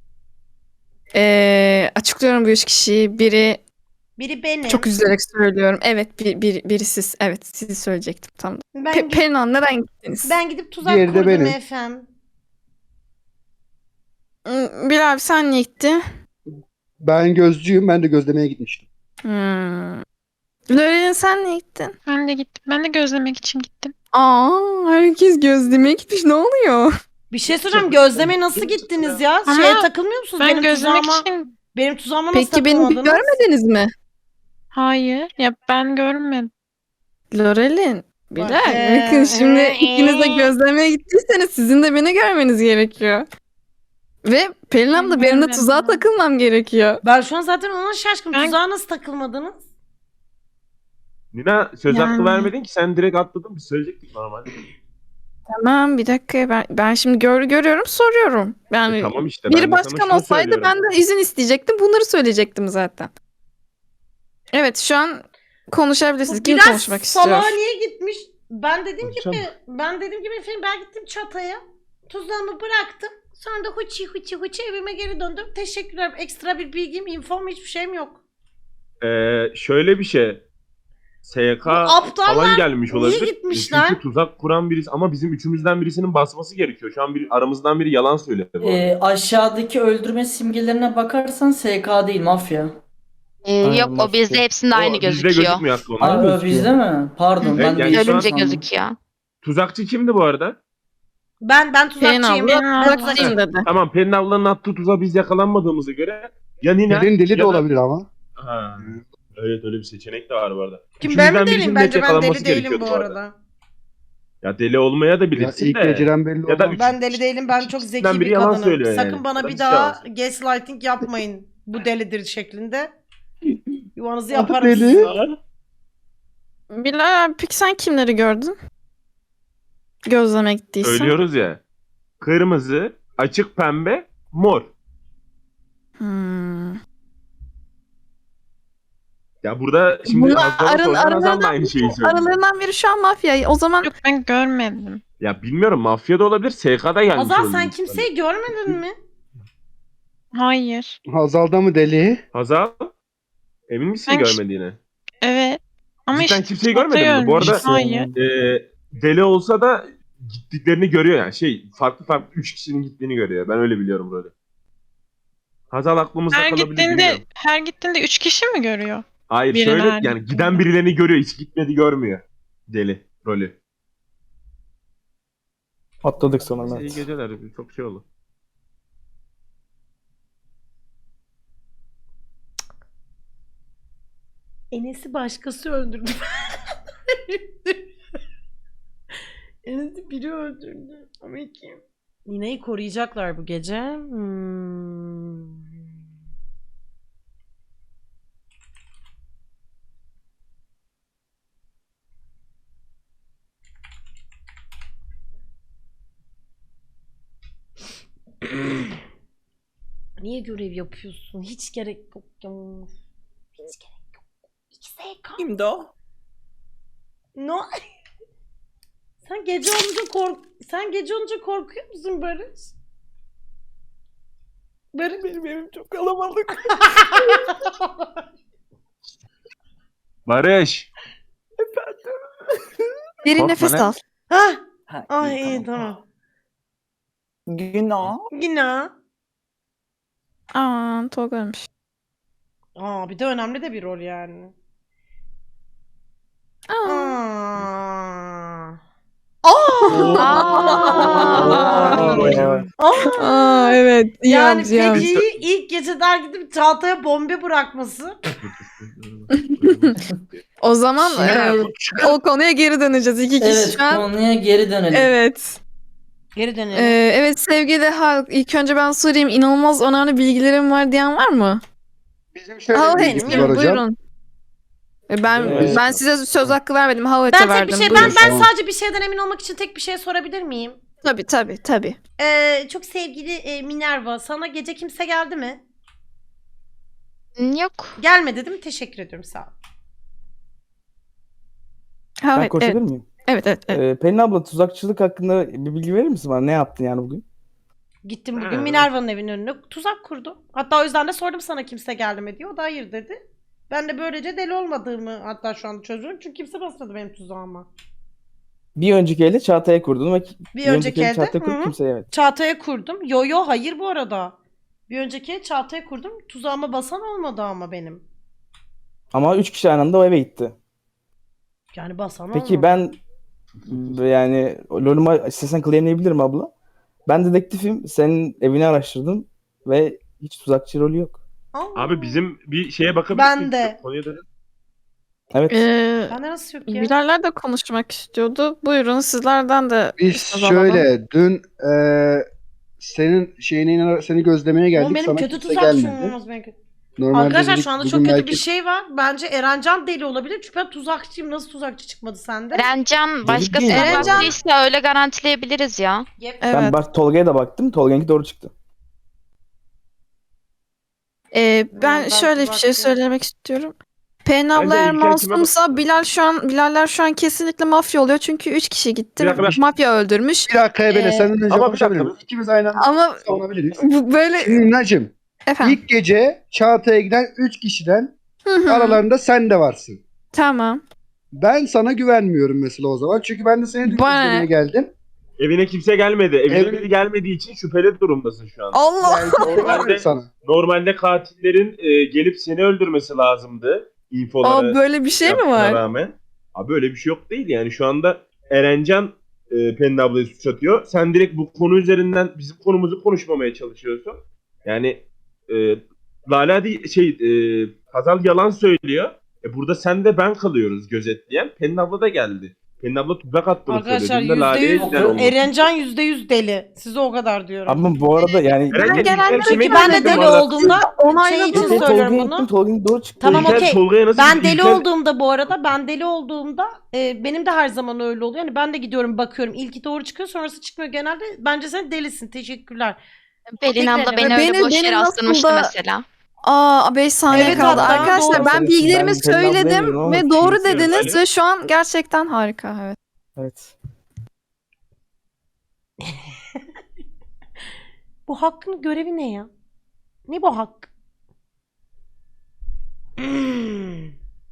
Speaker 7: Eee, açıklıyorum bu üç kişiyi. Biri
Speaker 1: Biri benim.
Speaker 7: çok üzülerek söylüyorum. Evet bir, bir, biri siz. Evet sizi söyleyecektim tam.
Speaker 1: Ben,
Speaker 7: Pe
Speaker 1: gidip,
Speaker 7: Pelin Hanım neden gittiniz?
Speaker 1: ben gidip tuzak
Speaker 4: Diğeri de
Speaker 1: kurdum
Speaker 4: benim.
Speaker 1: efendim.
Speaker 7: Hmm, Bilal abi sen niye gittin?
Speaker 4: Ben gözcüyüm. Ben de gözlemeye gitmiştim.
Speaker 7: Hmm. Lorelin sen niye gittin?
Speaker 8: Ben de gittim. Ben de gözlemek için gittim.
Speaker 7: Aa, herkes gözlemeye gitmiş. Ne oluyor?
Speaker 1: Bir şey söyleyeyim, gözlemeye nasıl gittiniz ya?
Speaker 8: Ama
Speaker 1: Şeye takılmıyor musunuz?
Speaker 8: Ben
Speaker 1: benim
Speaker 8: gözlemek
Speaker 1: tuzağıma,
Speaker 8: için...
Speaker 1: benim tuzağıma nasıl
Speaker 7: Peki beni bir
Speaker 1: takılmadınız?
Speaker 7: görmediniz mi?
Speaker 8: Hayır. Ya ben görmedim.
Speaker 7: Lorelin, Bilal.
Speaker 1: Ee,
Speaker 7: Bakın şimdi
Speaker 1: ee,
Speaker 7: ikiniz de
Speaker 1: ee.
Speaker 7: gözlemeye gittiyseniz sizin de beni görmeniz gerekiyor. Ve Pelin abla benim de
Speaker 8: görmedim.
Speaker 7: tuzağa takılmam gerekiyor.
Speaker 1: Ben şu an zaten ona şaşkınım.
Speaker 8: Ben-
Speaker 1: Tuzağa nasıl takılmadınız?
Speaker 2: Nina söz hakkı
Speaker 8: Yani.
Speaker 2: vermedin ki sen direkt atladın. Biz söyleyecektik normal.
Speaker 7: Tamam bir dakika ben, ben şimdi gör, görüyorum soruyorum. Yani
Speaker 2: E, tamam işte. ben
Speaker 7: biri
Speaker 2: de sana
Speaker 7: başkan
Speaker 2: şunu
Speaker 7: olsaydı
Speaker 2: söylüyorum.
Speaker 7: ben de izin isteyecektim. Bunları söyleyecektim zaten. Evet şu an konuşabilirsiniz.
Speaker 1: Bu
Speaker 7: Kim
Speaker 1: biraz
Speaker 7: konuşmak istiyor?
Speaker 1: salağa niye gitmiş? Ben dediğim gibi,
Speaker 2: Konuşalım.
Speaker 1: ben dediğim gibi efendim ben gittim çataya. Tuzağımı bıraktım. Sonra da huçi huçi huçi evime geri döndüm. Teşekkürler. Ekstra bir bilgim, infom, hiçbir şeyim yok.
Speaker 2: Ee, şöyle bir şey. S Y K
Speaker 1: Bu aptallar
Speaker 2: falan gelmiş
Speaker 1: niye
Speaker 2: olabilir.
Speaker 1: gitmişler?
Speaker 2: Çünkü tuzak kuran birisi ama bizim üçümüzden birisinin basması gerekiyor. Şu an bir, aramızdan biri yalan söyledi bu arada.
Speaker 6: Ee, aşağıdaki öldürme simgelerine bakarsan S K değil mafya.
Speaker 11: Ee,
Speaker 10: Aynen,
Speaker 11: yok o
Speaker 10: mafya.
Speaker 11: bizde hepsinde
Speaker 2: O
Speaker 11: aynı
Speaker 2: bizde
Speaker 11: gözüküyor.
Speaker 2: gözükmüyor hakkı onlar.
Speaker 6: Aa,
Speaker 10: gözüküyor.
Speaker 6: bizde mi? Pardon
Speaker 11: Hı,
Speaker 6: ben
Speaker 2: yani
Speaker 6: de
Speaker 2: şu an-
Speaker 6: yanlış
Speaker 11: Ölünce
Speaker 6: sandım.
Speaker 11: gözüküyor.
Speaker 2: Tuzakçı kimdi bu arada?
Speaker 1: Ben ben
Speaker 7: Pelin
Speaker 1: tuzakçıyım.
Speaker 7: abla
Speaker 1: Ben
Speaker 7: bırakayım
Speaker 1: tuzakçıyım.
Speaker 7: dedi.
Speaker 2: Tamam, Pelin ablanın attığı tuzağa biz yakalanmadığımıza göre ya Nina
Speaker 4: Pelin deli
Speaker 2: ya
Speaker 4: de
Speaker 2: da-
Speaker 4: olabilir ama.
Speaker 2: Ha. Evet, öyle bir seçenek de var bu arada.
Speaker 1: Kim, ben mi
Speaker 2: Üçümüzden
Speaker 1: deliyim?
Speaker 2: birisinin
Speaker 1: Bence
Speaker 2: net
Speaker 1: ben deli
Speaker 2: yakalanması
Speaker 1: değilim
Speaker 2: gerekiyordu
Speaker 1: bu
Speaker 2: bu arada.
Speaker 1: arada.
Speaker 2: Ya deli olmaya da
Speaker 4: Ya
Speaker 2: bilirsin
Speaker 4: ilk
Speaker 2: de.
Speaker 4: geceden belli
Speaker 2: Ya da
Speaker 4: olmaz.
Speaker 2: üç-
Speaker 1: Ben deli değilim. Ben çok zeki
Speaker 2: İkisinden biri
Speaker 1: bir
Speaker 2: yalan
Speaker 1: kadınım.
Speaker 2: söylüyor yani.
Speaker 1: Sakın bana
Speaker 2: Tabii
Speaker 1: bir
Speaker 2: ki
Speaker 1: daha
Speaker 2: yalan.
Speaker 1: gaslighting yapmayın. Bu delidir şeklinde. Yuvanızı
Speaker 4: Adı
Speaker 1: yaparım.
Speaker 4: deli.
Speaker 1: size.
Speaker 7: Bilal abi peki sen kimleri gördün? Gözleme gittiysen.
Speaker 2: Söylüyoruz ya. Kırmızı, açık pembe, mor.
Speaker 7: Hmm.
Speaker 2: Ya burada şimdi
Speaker 7: Bunlar
Speaker 2: Hazal'a
Speaker 7: arın-
Speaker 2: sorsan Hazal da
Speaker 7: aralarından
Speaker 2: aynı şeyi söylüyor.
Speaker 7: Aralarından biri şu an mafya. O zaman
Speaker 8: Yok ben görmedim.
Speaker 2: Ya bilmiyorum, mafya da olabilir, S K'da gelmiş
Speaker 1: Azal
Speaker 2: olabilir.
Speaker 1: sen kimseyi görmedin mi?
Speaker 8: Hayır.
Speaker 4: Hazal'da mı deli?
Speaker 2: Hazal? Emin misin
Speaker 8: Ben-
Speaker 2: görmediğine?
Speaker 8: Evet. Ama
Speaker 2: Cidden
Speaker 8: işte
Speaker 2: kimseyi görmedin mi? Bu arada
Speaker 8: Hayır.
Speaker 2: e, deli olsa da gittiklerini görüyor yani. Şey, farklı farklı üç kişinin gittiğini görüyor. Ben öyle biliyorum böyle. Hazal aklımızda
Speaker 8: Her
Speaker 2: kalabilir
Speaker 8: gittiğinde
Speaker 2: bilmiyorum.
Speaker 8: her gittiğinde üç kişi mi görüyor?
Speaker 2: Hayır
Speaker 8: Biri
Speaker 2: şöyle
Speaker 8: nerede?
Speaker 2: yani giden birilerini görüyor, hiç gitmedi görmüyor. Deli rolü.
Speaker 10: Atladık sonra
Speaker 2: İyi
Speaker 10: Mert.
Speaker 2: geceler, çok şey oldu.
Speaker 1: Enes'i başkası öldürdü. Enes'i biri öldürdü. Ama kim? Nine'yi koruyacaklar bu gece. Hmm. Niye görev yapıyorsun? Hiç gerek yok ya. Hiç gerek yok. İki S K.
Speaker 10: Kimdi o?
Speaker 1: No. Sen gece olunca kork sen gece olunca korkuyor musun Barış? Barış
Speaker 10: Benim evim çok kalabalık.
Speaker 2: Barış.
Speaker 7: derin
Speaker 2: Korkma
Speaker 7: nefes
Speaker 2: lan.
Speaker 7: al.
Speaker 1: Hah.
Speaker 10: Ha,
Speaker 1: Ay iyi tamam.
Speaker 10: Günah.
Speaker 1: Günah.
Speaker 7: Aa Tolga ölmüş.
Speaker 1: Aa, bir de önemli de bir rol yani.
Speaker 7: Aa.
Speaker 1: Aa.
Speaker 11: Aa.
Speaker 1: Aa.
Speaker 7: Aa, evet.
Speaker 1: Yani
Speaker 7: Yalnız yalnız.
Speaker 1: Feci'yi ilk geceden gidip Çağatay'a bombe bırakması.
Speaker 7: O zaman
Speaker 6: Şimdi-
Speaker 7: e, o konuya geri döneceğiz. İki kişi
Speaker 6: Evet,
Speaker 7: şu an.
Speaker 6: konuya geri dönelim.
Speaker 7: Evet.
Speaker 1: Geri dönelim.
Speaker 7: Ee, evet sevgili halk. İlk önce ben sorayım. İnanılmaz önemli bilgilerim var diyen var mı?
Speaker 4: Bizim şöyle
Speaker 7: How
Speaker 4: bir
Speaker 7: it,
Speaker 4: bilgimiz var hocam.
Speaker 7: buyurun. E, Ben
Speaker 3: Evet.
Speaker 7: ben size söz hakkı vermedim. How
Speaker 1: ben
Speaker 7: it'e
Speaker 1: tek
Speaker 7: verdim.
Speaker 1: bir şey ben
Speaker 7: Buyurun.
Speaker 1: ben
Speaker 4: Tamam.
Speaker 1: sadece bir şeyden emin olmak için tek bir şey sorabilir miyim?
Speaker 7: Tabii tabii tabii.
Speaker 1: Ee, çok sevgili e, Minerva, sana gece kimse geldi mi?
Speaker 11: Yok.
Speaker 1: Gelmedi değil mi? Teşekkür ediyorum, sağ ol.
Speaker 7: How
Speaker 10: Ben
Speaker 7: it, evet.
Speaker 10: konuşabilir miyim?
Speaker 7: Evet evet. evet.
Speaker 10: Ee, Pelin abla tuzakçılık hakkında bir bilgi verir misin bana? Ne yaptın yani bugün?
Speaker 1: Gittim bugün
Speaker 2: Ha.
Speaker 1: Minerva'nın evinin önüne tuzak kurdu. Hatta o yüzden de sordum sana kimse geldi mi diye. O da hayır dedi. Ben de böylece deli olmadığımı hatta şu anda çözüyorum. Çünkü kimse basmadı benim tuzağıma.
Speaker 10: Bir önceki elde Çağatay'a kurdun ve
Speaker 1: Bir önceki elde
Speaker 10: Çağatay'a
Speaker 1: hı
Speaker 10: kurup
Speaker 1: hı,
Speaker 10: kimseye evet.
Speaker 1: Çağatay'a kurdum. Yo yo hayır bu arada. Bir önceki el Çağatay'a kurdum. Tuzağıma basan olmadı ama benim.
Speaker 10: Ama üç kişi aynı anda o eve gitti.
Speaker 1: Yani basan
Speaker 10: Peki
Speaker 1: olmadı.
Speaker 10: ben yani LoL'uma istesen claimleyebilirim abla. Ben dedektifim. Senin evini araştırdım ve hiç tuzakçı rolü yok.
Speaker 1: Allah.
Speaker 2: Abi bizim bir şeye bakabilir
Speaker 1: Ben
Speaker 2: miyiz?
Speaker 1: de.
Speaker 2: Konuya dönelim.
Speaker 10: Evet.
Speaker 7: Ee,
Speaker 1: Bende nasıl yok ya?
Speaker 7: Bilaller de konuşmak istiyordu. Buyurun sizlerden de
Speaker 4: Biz
Speaker 7: söz alalım.
Speaker 4: şöyle dün e, senin şeyini seni gözlemeye geldik.
Speaker 1: Oğlum benim
Speaker 4: Sana
Speaker 1: kötü
Speaker 4: kimse
Speaker 1: tuzakçım
Speaker 4: gelmedi.
Speaker 1: olmaz benim kötü.
Speaker 4: Normalde
Speaker 1: Arkadaşlar
Speaker 4: dedik
Speaker 1: şu anda
Speaker 4: bugün
Speaker 1: çok kötü
Speaker 4: belki-
Speaker 1: bir şey var. Bence Erencan deli olabilir. Çünkü ben tuzakçıyım. Nasıl tuzakçı çıkmadı sende?
Speaker 11: Erencan başkasına
Speaker 7: Erencan-
Speaker 11: baktıysa öyle garantileyebiliriz ya.
Speaker 1: Yep.
Speaker 10: Ben
Speaker 7: Evet.
Speaker 10: bak Tolga'ya da baktım. Tolga'nınki doğru çıktı.
Speaker 7: Ee, ben
Speaker 1: ben
Speaker 7: şöyle bir şey
Speaker 1: tuzakçıyım.
Speaker 7: söylemek istiyorum. Pelin
Speaker 2: Ben
Speaker 7: abla
Speaker 2: de
Speaker 7: eğer
Speaker 2: İlker kime
Speaker 7: masumsa
Speaker 2: baktım?
Speaker 7: Bilal şu an Bilaller şu an kesinlikle mafya oluyor. Çünkü üç kişi gitti.
Speaker 2: Bir dakika, bir dakika.
Speaker 7: Mafya öldürmüş.
Speaker 4: Bir dakika Ebele
Speaker 7: Ee,
Speaker 4: senden önce
Speaker 2: ama bir
Speaker 4: konuşabilir
Speaker 2: dakika.
Speaker 4: miyiz? İkimiz aynı anda
Speaker 7: Ama
Speaker 4: savunabiliriz.
Speaker 7: bu böyle
Speaker 4: Şimdi Nacım,
Speaker 7: efendim.
Speaker 4: ilk gece Çağatay'a giden üç kişiden
Speaker 7: Hı hı.
Speaker 4: aralarında sen de varsın.
Speaker 7: Tamam.
Speaker 4: Ben sana güvenmiyorum mesela o zaman. Çünkü ben de seni dün
Speaker 7: Bana
Speaker 4: izlemeye
Speaker 7: ne?
Speaker 4: geldim.
Speaker 2: Evine kimse gelmedi. Evine
Speaker 4: Evine-
Speaker 2: biri gelmediği için şüpheli durumdasın şu an.
Speaker 7: Allah.
Speaker 4: Yani doğru
Speaker 2: Normalde-
Speaker 4: var sana.
Speaker 2: Normalde katillerin e, gelip seni öldürmesi lazımdı. İnfolara
Speaker 7: Aa, böyle bir şey mi
Speaker 2: yaptığına
Speaker 7: var?
Speaker 2: rağmen. Abi böyle bir şey yok değil yani. Şu anda Erencan e, Pelin ablayı suç atıyor. Sen direkt bu konu üzerinden bizim konumuzu konuşmamaya çalışıyorsun. Yani e, Lala değil, şey e, Hazal yalan söylüyor. E, burada sen de ben kalıyoruz gözetleyen. Pelin abla da geldi. Pelin abla tuzak attığını
Speaker 1: Arkadaşlar
Speaker 2: söyledi. Dün de
Speaker 1: yüzde
Speaker 2: Lale'ye
Speaker 1: yüz
Speaker 2: giden oldu.
Speaker 1: Erencan yüzde yüz deli. Size o kadar diyorum.
Speaker 10: Ama bu arada yani
Speaker 2: Eren,
Speaker 7: Ben
Speaker 2: İlker
Speaker 7: genelde
Speaker 2: kime
Speaker 1: Çünkü ben de
Speaker 2: gittin
Speaker 1: deli
Speaker 2: bu arada?
Speaker 1: olduğumda şey
Speaker 7: Onayladım.
Speaker 1: için
Speaker 10: Ben
Speaker 1: söylüyorum
Speaker 10: Tolga'ya
Speaker 1: bunu.
Speaker 10: gittim. Tolga'nın doğru çıktı.
Speaker 1: Tamam,
Speaker 2: İlker
Speaker 1: okey.
Speaker 2: Tolga'ya nasıl
Speaker 1: Ben
Speaker 2: gitti?
Speaker 1: deli
Speaker 2: İlker-
Speaker 1: olduğumda bu arada ben deli olduğumda e, benim de her zaman öyle oluyor. Yani ben de gidiyorum bakıyorum. İlki doğru çıkıyor sonrası çıkmıyor genelde. Bence sen delisin. Teşekkürler.
Speaker 11: Pelin
Speaker 1: Teşekkür
Speaker 11: abla
Speaker 1: ederim.
Speaker 11: beni
Speaker 7: Beni-
Speaker 11: öyle boş
Speaker 7: beni
Speaker 11: yere
Speaker 7: nasıl
Speaker 11: astırmıştı
Speaker 7: da-
Speaker 11: mesela.
Speaker 7: Aa beş saniye
Speaker 1: Evet,
Speaker 7: kaldı.
Speaker 1: hatta
Speaker 7: Arkadaşlar
Speaker 1: doğru.
Speaker 7: ben
Speaker 10: Ben
Speaker 7: bilgilerimi
Speaker 10: Pelin abla
Speaker 7: söyledim
Speaker 10: demiyorum ama
Speaker 7: ve doğru
Speaker 10: kimse-
Speaker 7: dediniz
Speaker 2: Öyle.
Speaker 7: ve şu an gerçekten harika. Evet.
Speaker 10: Evet.
Speaker 1: Bu Hakk'ın görevi ne ya? Ne bu Hak? Hmm.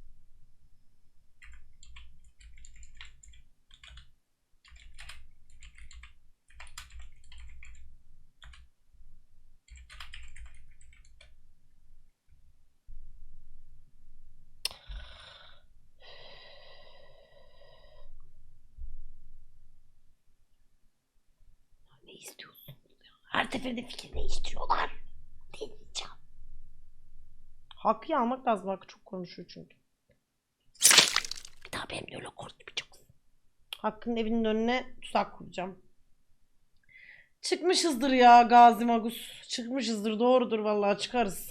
Speaker 1: Ne istiyorsun? Her seferinde fikir değiştiriyorlar. Deneyeceğim. Hakkı almak lazım. Hakkı çok konuşuyor çünkü. Bir daha benimle öyle konuşmayacaksın. Hakkı'nın evinin önüne tuzak kuracağım. Çıkmışızdır ya Gazi Magus. Çıkmışızdır. Doğrudur vallahi çıkarız.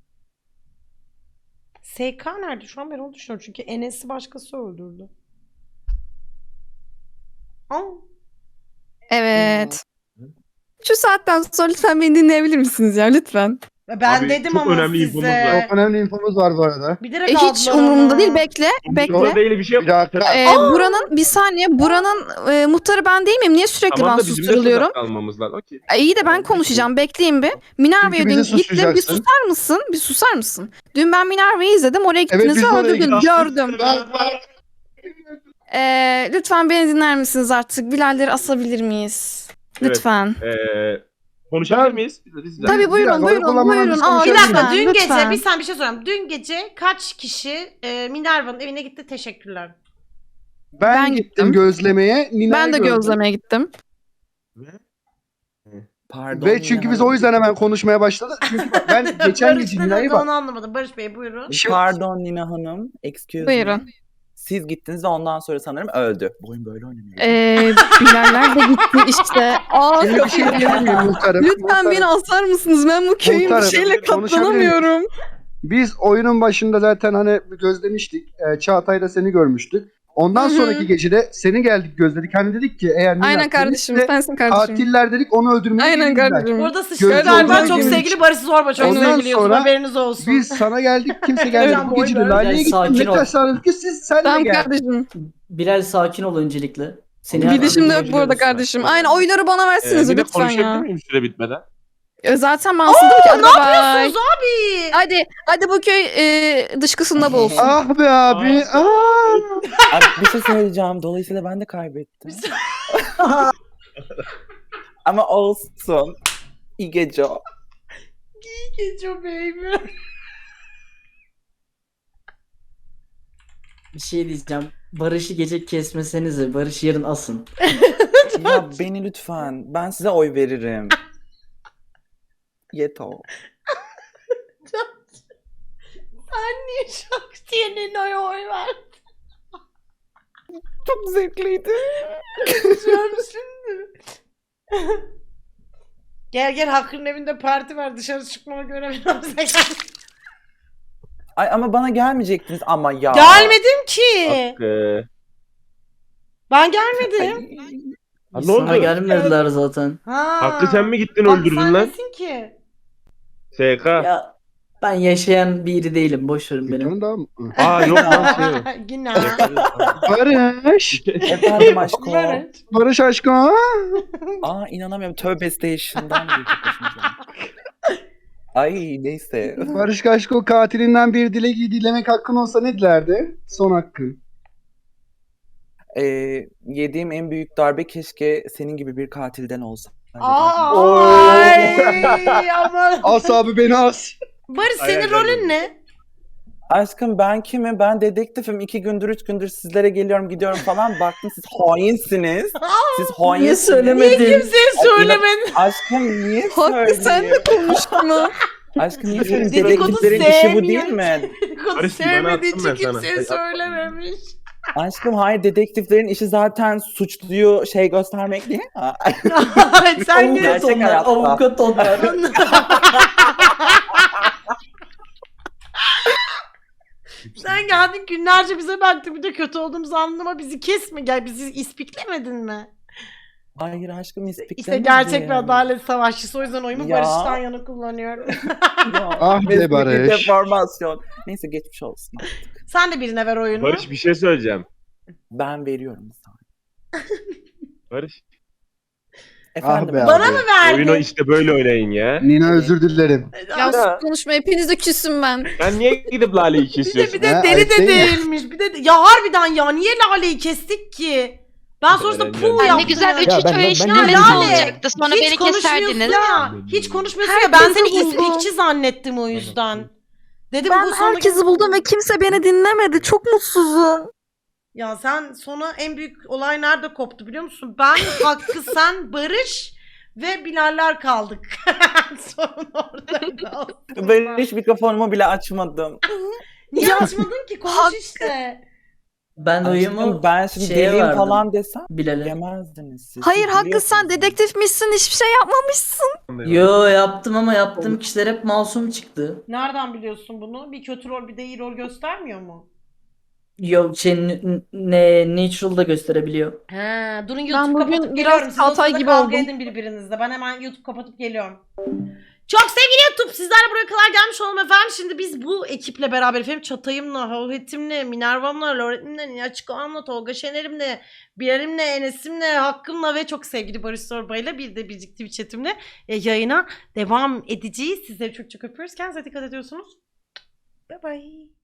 Speaker 1: S K nerede? Şu an ben onu düşünüyorum. Çünkü Enes'i başkası öldürdü. Aa.
Speaker 7: Evet. Şu saatten sonra lütfen beni dinleyebilir misiniz ya lütfen?
Speaker 1: Ben
Speaker 2: Abi,
Speaker 1: dedim
Speaker 2: çok
Speaker 1: ama
Speaker 2: önemli
Speaker 1: size.
Speaker 2: infomuz var.
Speaker 4: Çok önemli infomuz var bu arada.
Speaker 1: Bir
Speaker 7: E,
Speaker 1: direkt
Speaker 7: hiç
Speaker 1: aldılar
Speaker 7: umurumda
Speaker 1: onu.
Speaker 7: değil. Bekle. Bekle.
Speaker 2: Burada öyle bir şey yok.
Speaker 4: Bir dakika.
Speaker 7: Ee, buranın bir saniye. Buranın e, muhtarı ben değil miyim? Niye sürekli
Speaker 2: Tamam
Speaker 7: ben
Speaker 2: da bizim de
Speaker 7: susturuluyorum?
Speaker 2: tuzak almamız lazım. Okey.
Speaker 7: E, iyi de ben konuşacağım. Bekleyin bir. Minerva'ya
Speaker 4: Çünkü
Speaker 7: dün
Speaker 4: bizi
Speaker 7: gittim. Bir
Speaker 4: suçlayacaksın.
Speaker 7: susar mısın? Bir susar mısın? Dün ben Minerva'yı izledim. Oraya
Speaker 4: Evet,
Speaker 7: gittiniz
Speaker 4: biz
Speaker 7: ve
Speaker 4: de oraya
Speaker 7: öldürdün.
Speaker 4: gittik.
Speaker 7: Gördüm.
Speaker 4: Bak, bak.
Speaker 7: Ee, lütfen beni dinler misiniz artık? Bilalleri asabilir miyiz?
Speaker 2: Evet.
Speaker 7: Lütfen.
Speaker 2: Ee, Konuşabilir
Speaker 4: Ben-
Speaker 2: miyiz? Rica-
Speaker 7: Tabii
Speaker 4: bir
Speaker 7: buyurun
Speaker 4: dakika,
Speaker 7: buyurun
Speaker 4: kullanmadan
Speaker 7: buyurun.
Speaker 4: biz
Speaker 7: Aa,
Speaker 1: Bir
Speaker 4: konuşabiliriz.
Speaker 1: dakika
Speaker 7: lütfen,
Speaker 1: dün gece
Speaker 7: lütfen.
Speaker 1: bir sen bir şey soruyorum. Dün gece kaç kişi e, Minerva'nın evine gitti? Teşekkürler.
Speaker 4: Ben,
Speaker 7: Ben
Speaker 4: gittim
Speaker 7: gittim.
Speaker 4: gözlemeye. Nina'yı
Speaker 7: Ben de
Speaker 4: gördüm.
Speaker 7: gözlemeye gittim.
Speaker 10: Pardon.
Speaker 4: Ve çünkü biz o yüzden hemen konuşmaya başladık. Çünkü bak, ben geçen
Speaker 1: Barış
Speaker 4: gece
Speaker 1: ne
Speaker 4: Nina'yı
Speaker 1: dedi
Speaker 4: bak.
Speaker 1: onu anlamadım. Barış Bey buyurun.
Speaker 4: Şimdi-
Speaker 10: Pardon Nina Hanım. Excuse
Speaker 7: Buyurun.
Speaker 10: me. Siz gittiniz ve ondan sonra sanırım öldü. Bu oyun böyle oynanıyor.
Speaker 7: Ee, Bilaller de gitti işte. Aa,
Speaker 4: Şimdi bir şey diyebilir miyim muhtarım?
Speaker 7: lütfen
Speaker 4: Muhtarım.
Speaker 7: beni asar mısınız? Ben bu köyün bir
Speaker 4: Muhtarım,
Speaker 7: şeyle katlanamıyorum.
Speaker 4: Biz oyunun başında zaten hani gözlemiştik. Ee, Çağatay'da seni görmüştük. Ondan
Speaker 7: Hı hı.
Speaker 4: sonraki gecede seni geldik gözledik. Hani dedik ki eğer Nina
Speaker 7: Aynen kardeşim,
Speaker 4: kimse,
Speaker 7: sensin kardeşim.
Speaker 4: katiller dedik onu öldürmeye
Speaker 7: Aynen
Speaker 4: gelirler.
Speaker 7: kardeşim.
Speaker 1: Burada sıçtı
Speaker 4: Gözde
Speaker 1: galiba
Speaker 4: olduğunu
Speaker 1: çok
Speaker 4: bilmiş.
Speaker 1: sevgili Barış Zorba. Çok
Speaker 4: Ondan
Speaker 1: sevgili YouTube
Speaker 4: sonra
Speaker 1: haberiniz olsun.
Speaker 4: Biz sana geldik kimse gelmedi.
Speaker 1: Hocam,
Speaker 4: Bu
Speaker 1: boy
Speaker 4: gece de
Speaker 1: ver.
Speaker 4: Lale'ye
Speaker 6: Bilal,
Speaker 4: gittin.
Speaker 6: sakin
Speaker 4: Ne
Speaker 6: ol.
Speaker 4: taşlandık ki siz sen de
Speaker 7: Tamam
Speaker 4: gel.
Speaker 7: kardeşim.
Speaker 6: Bilal sakin ol öncelikle. Seni her
Speaker 7: Bir
Speaker 6: türlü
Speaker 7: dişim de yok bu
Speaker 6: bulabiliyoruz.
Speaker 7: arada kardeşim. Aynen oyları bana
Speaker 2: Ee,
Speaker 7: versiniz
Speaker 2: bir de
Speaker 7: lütfen
Speaker 2: konuşabilir
Speaker 7: ya.
Speaker 2: miyim süre bitmeden?
Speaker 7: E, Zaten ben aslında ki hadi
Speaker 1: Ne
Speaker 7: bye bye.
Speaker 1: yapıyorsunuz abi?
Speaker 7: Hadi hadi bu köy e, dışkısında bulsun.
Speaker 4: Ah be abi. Ah.
Speaker 10: Abi bir şey söyleyeceğim. Dolayısıyla ben de kaybettim. Ama olsun. İyi gece.
Speaker 1: Geçiyor baby.
Speaker 6: Bir şey diyeceğim. Barış'ı gece kesmesenize. Barış yarın asın.
Speaker 10: Ya beni lütfen. Ben size oy veririm. Yeter.
Speaker 1: Sen niye Şaktiye'nin oy oy verdin?
Speaker 10: Çok zevkliydi.
Speaker 1: Konuşuyorum şimdi. Gel gel Hakkı'nın evinde parti var. Dışarı çıkmama göre biraz
Speaker 10: Ay ama bana gelmeyecektiniz ama ya.
Speaker 1: Gelmedim ki.
Speaker 2: Hakkı.
Speaker 1: Ben gelmedim.
Speaker 2: Ha, ne
Speaker 6: Sana
Speaker 2: oldu?
Speaker 6: gelmediler zaten.
Speaker 1: Ha.
Speaker 2: Hakkı sen mi gittin
Speaker 1: Hakkı
Speaker 2: öldürdün
Speaker 1: sen
Speaker 2: lan?
Speaker 1: nesin ki?
Speaker 2: S K.
Speaker 6: Ya ben yaşayan biri değilim. Boş verin beni.
Speaker 4: Tamam, tamam.
Speaker 2: Aa yok lan şey.
Speaker 1: Yine.
Speaker 4: Barış.
Speaker 10: Efendim aşkım.
Speaker 1: Barış.
Speaker 4: Barış aşkım.
Speaker 10: Aa inanamıyorum. Tövbe Station'dan geçip başımıza. Ay neyse.
Speaker 4: Barış Kaşko katilinden bir dilek dilemek hakkın olsa ne dilerdi? Son hakkın.
Speaker 10: Ee, yediğim en büyük darbe keşke senin gibi bir katilden olsa.
Speaker 1: Ay aman.
Speaker 4: As abi beni as.
Speaker 1: Barış senin
Speaker 2: Hayal
Speaker 1: rolün
Speaker 2: görmedim.
Speaker 1: ne?
Speaker 10: Aşkım ben kimim? Ben dedektifim. İki gündür, üç gündür sizlere geliyorum, gidiyorum falan. Baktım siz hainsiniz. Siz
Speaker 6: Niye
Speaker 10: hainsiniz.
Speaker 6: söylemedin?
Speaker 1: Kimseye
Speaker 10: Ay,
Speaker 1: söylemedin.
Speaker 10: Aşkım niye
Speaker 7: Hakkı sen
Speaker 10: söyleyeyim?
Speaker 7: de konuşma.
Speaker 10: Aşkım niye söyleyeyim?
Speaker 1: Dedikodu
Speaker 10: Dedektiflerin işi bu değil
Speaker 1: sevmiyor.
Speaker 10: mi?
Speaker 1: Dedikodu
Speaker 2: Barış, bana
Speaker 1: sevmediği
Speaker 2: attım
Speaker 1: için
Speaker 2: ben sana.
Speaker 1: kimseye
Speaker 2: Ay,
Speaker 1: söylememiş.
Speaker 10: Aşkım hayır, dedektiflerin işi zaten suçluyu şey göstermek değil mi?
Speaker 1: Sen ne?
Speaker 10: Gerçek
Speaker 6: Avukat onlar.
Speaker 10: hayatta.
Speaker 6: Avukat onlar.
Speaker 1: Sen geldin günlerce bize baktın bir de kötü olduğumuzu anlama bizi kesme gel bizi ispiklemedin mi?
Speaker 10: Hayır aşkım ispiklemedim.
Speaker 1: İşte gerçek bir adalet savaşçısı o yüzden oyumu
Speaker 10: Ya.
Speaker 1: Barış'tan yana kullanıyorum.
Speaker 4: Ah be
Speaker 10: Mesleki
Speaker 4: Barış.
Speaker 10: deformasyon. Neyse geçmiş olsun.
Speaker 1: Sen de birine ver oyunu.
Speaker 2: Barış bir şey söyleyeceğim.
Speaker 10: Ben veriyorum sana.
Speaker 2: Barış.
Speaker 10: Efendim.
Speaker 4: be
Speaker 1: Bana
Speaker 4: abi.
Speaker 1: mı verdin?
Speaker 2: Oyunu işte böyle oynayın ya.
Speaker 4: Nina özür dilerim.
Speaker 7: Ya sus konuşma hepinize küsüm ben.
Speaker 2: Ben niye gidip Lale'yi
Speaker 1: Bir de,
Speaker 2: kesiyorsun?
Speaker 1: bir de
Speaker 4: Ha,
Speaker 1: deli
Speaker 4: ayıp
Speaker 1: de
Speaker 4: değil mi?
Speaker 1: değilmiş. Bir de ya harbiden ya niye Lale'yi kestik ki? Ben sonrasında
Speaker 2: Öğrenci.
Speaker 1: puh
Speaker 2: Ay,
Speaker 1: yaptım.
Speaker 11: Ne güzel
Speaker 1: ya.
Speaker 11: üç
Speaker 9: Ya
Speaker 11: üç
Speaker 9: ben- ben-
Speaker 11: oynayışın
Speaker 9: ben
Speaker 11: halledin
Speaker 1: niye-
Speaker 11: olacaktı. Sonra
Speaker 1: Hiç
Speaker 11: beni
Speaker 1: konuşmuyorsun
Speaker 11: keserdiniz.
Speaker 1: ya. Hiç konuşmuyorsun ya. Ben
Speaker 7: Herkesi
Speaker 1: seni
Speaker 7: buldu.
Speaker 1: ispikçi zannettim o yüzden. Dedim
Speaker 7: Ben
Speaker 1: bu sonra...
Speaker 7: herkesi buldum ve kimse beni dinlemedi. Çok mutsuzum.
Speaker 1: Ya sen sonra en büyük olay nerede koptu biliyor musun? Ben, Hakkı, sen, Barış ve Bilaller kaldık. Sorun orada kaldı.
Speaker 10: Ben hiç mikrofonumu bile açmadım.
Speaker 1: Niye açmadın ki? Konuş
Speaker 7: Hakkı.
Speaker 1: işte.
Speaker 6: Ben oyumu
Speaker 10: Aşkım, ben şimdi
Speaker 6: şeye
Speaker 10: deliyim
Speaker 6: verdim.
Speaker 10: falan desem
Speaker 6: Bilal'e.
Speaker 10: yemezdiniz siz.
Speaker 7: Hayır
Speaker 10: Siz
Speaker 7: Hakkı sen
Speaker 10: biliyorsunuz.
Speaker 7: dedektifmişsin hiçbir şey yapmamışsın.
Speaker 6: Yo yaptım ama yaptığım kişiler hep masum çıktı.
Speaker 1: Nereden biliyorsun bunu? Bir kötü rol bir de iyi rol göstermiyor mu?
Speaker 6: Yo şey n- ne Natural'da gösterebiliyor.
Speaker 1: He, durun YouTube
Speaker 7: Ben bugün
Speaker 1: kapatıp
Speaker 7: biraz
Speaker 1: geliyorum. Siz o
Speaker 7: Altay
Speaker 1: sırada
Speaker 7: gibi
Speaker 1: kavga
Speaker 7: oldum.
Speaker 1: edin birbirinizle. Ben hemen YouTube kapatıp geliyorum. Çok sevgili YouTube sizlerle buraya kadar gelmiş olalım efendim. Şimdi biz bu ekiple beraber efendim Çatay'ımla, Havhet'imle, Minerva'mla, Loret'imle, Niyaçko'amla, Tolga Şener'imle, Bilal'imle, Enes'imle, Hakkım'la ve çok sevgili Barış Zorba'yla bir de biricik Twitch chatimle e, yayına devam edeceğiz. Sizleri çok çok öpüyoruz. Kendinize dikkat ediyorsunuz. Bye bye.